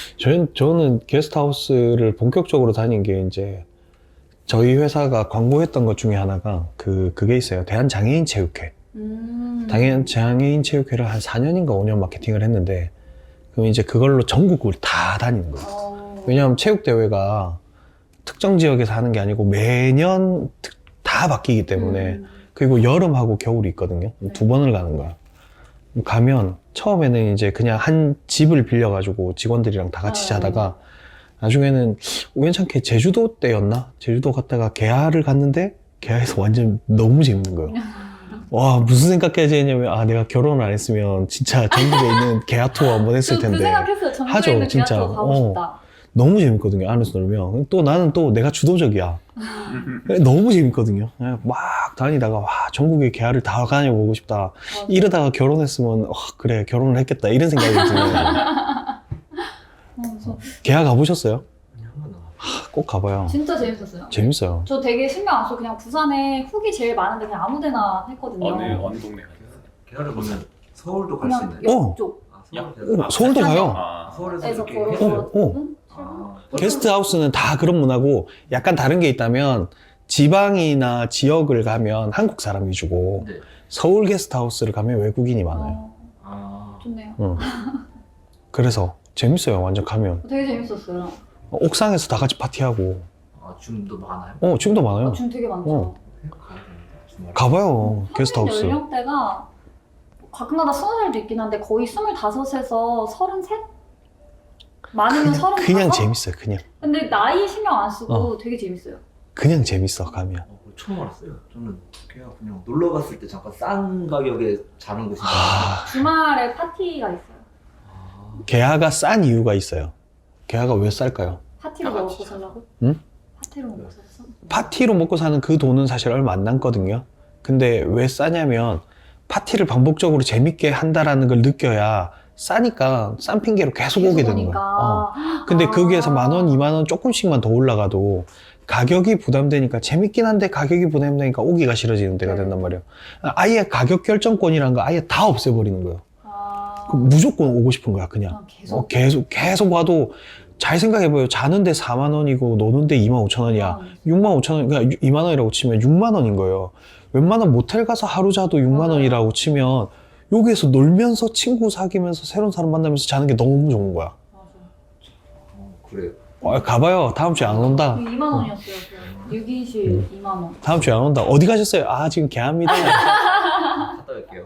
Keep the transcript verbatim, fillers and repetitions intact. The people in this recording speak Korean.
저는, 저는 게스트하우스를 본격적으로 다닌 게 이제 저희 회사가 광고했던 것 중에 하나가 그, 그게 있어요. 대한장애인체육회. 음. 대한장애인체육회를 한 사 년인가 오 년 마케팅을 했는데, 그럼 이제 그걸로 전국을 다 다니는 거예요. 어. 왜냐하면 체육대회가 특정 지역에서 하는 게 아니고 매년 특- 다 바뀌기 때문에, 음. 그리고 여름하고 겨울이 있거든요. 네. 두 번을 가는 거야. 가면 처음에는 이제 그냥 한 집을 빌려가지고 직원들이랑 다 같이 아, 자다가 나중에는 우연찮게 제주도 때였나? 제주도 갔다가 개화를 갔는데 개화에서 완전 너무 재밌는 거예요. 와, 무슨 생각까지 했냐면, 아, 내가 결혼을 안 했으면 진짜 전국에 있는 개화 투어 한번 했을 저그 텐데. 생각했어요. 전국에 하죠, 있는 진짜. 진짜. 가고 어. 싶다. 너무 재밌거든요, 안에서 놀면. 또 나는 또 내가 주도적이야. 너무 재밌거든요. 그냥 막 다니다가, 와, 전국의 개화를 다 다녀보고 싶다. 맞아. 이러다가 결혼했으면, 어, 그래, 결혼을 했겠다. 이런 생각이 드네요. 어, 저 개화 가보셨어요? 한 번도 안 하, 꼭 가봐요. 진짜 재밌었어요. 재밌어요. 저 되게 신경 안 써. 그냥 부산에 훅이 제일 많은데 그냥 아무데나 했거든요. 어느 어느 동네 가셨어요? 개화를 보면 서울도 갈 수 그냥 있나요? 어. 옆쪽. 아, 야. 서울 어, 서울도 가요. 아, 서울에서 에서 이렇게 걸어서 해줘요? 어, 어. 응? 아, 게스트하우스는 다 그런 문화고, 약간 다른 게 있다면, 지방이나 지역을 가면 한국 사람 위주고, 네. 서울 게스트하우스를 가면 외국인이 많아요. 어, 아, 좋네요. 응. 그래서 재밌어요, 완전 가면. 되게 재밌었어요. 어, 옥상에서 다 같이 파티하고. 아 줌도 많아요? 어, 지금도 많아요. 아, 줌 되게 많죠. 어. 가야 됩니다. 주말에. 가봐요, 평균 게스트하우스. 연령대가 가끔가다 스무 살도 있긴 한데 거의 스물다섯에서 서른셋? 많으면 서른다섯? 그냥 재밌어요, 그냥. 근데 나이 신경 안 쓰고 어. 되게 재밌어요. 그냥 재밌어, 가면. 어, 그거 처음 알았어요. 저는 그냥 그냥 놀러 갔을 때 잠깐 싼 가격에 자는 곳인 줄 아, 주말에 파티가 있어요. 알았어요. 개화가 싼 이유가 있어요. 개화가 왜 쌀까요? 파티로 다 먹고 같이 살라고? 응? 파티로 먹고 살았어? 파티로 먹고 사는 그 돈은 사실 얼마 안 남거든요. 근데 왜 싸냐면 파티를 반복적으로 재밌게 한다라는 걸 느껴야 싸니까 싼 핑계로 계속 오게 되는 오니까. 거야. 어. 근데 아. 거기에서 만 원, 이만 원 조금씩만 더 올라가도 가격이 부담되니까 재밌긴 한데 가격이 부담되니까 오기가 싫어지는 데가 네. 된단 말이에요. 아예 가격 결정권이라는 거 아예 다 없애버리는 거예요. 아. 그럼 무조건 오고 싶은 거야, 그냥. 아, 계속? 어, 계속, 계속 와도 잘 생각해봐요. 자는데 사만 원이고 노는데 이만 오천 원이야. 아, 육만 오천 원, 그러니까 이만 원이라고 치면 육만 원인 거예요. 웬만한 모텔 가서 하루 자도 육만 맞아요. 원이라고 치면 여기에서 놀면서 친구 사귀면서 새로운 사람 만나면서 자는 게 너무 좋은 거야. 맞아. 어, 그래요. 어, 가봐요. 다음 주에 안 온다. 이만 원이었어요. 육 인실 이만 원. 다음 주에 안 온다. 어디 가셨어요? 아, 지금 개합니다. 갔다 올게요.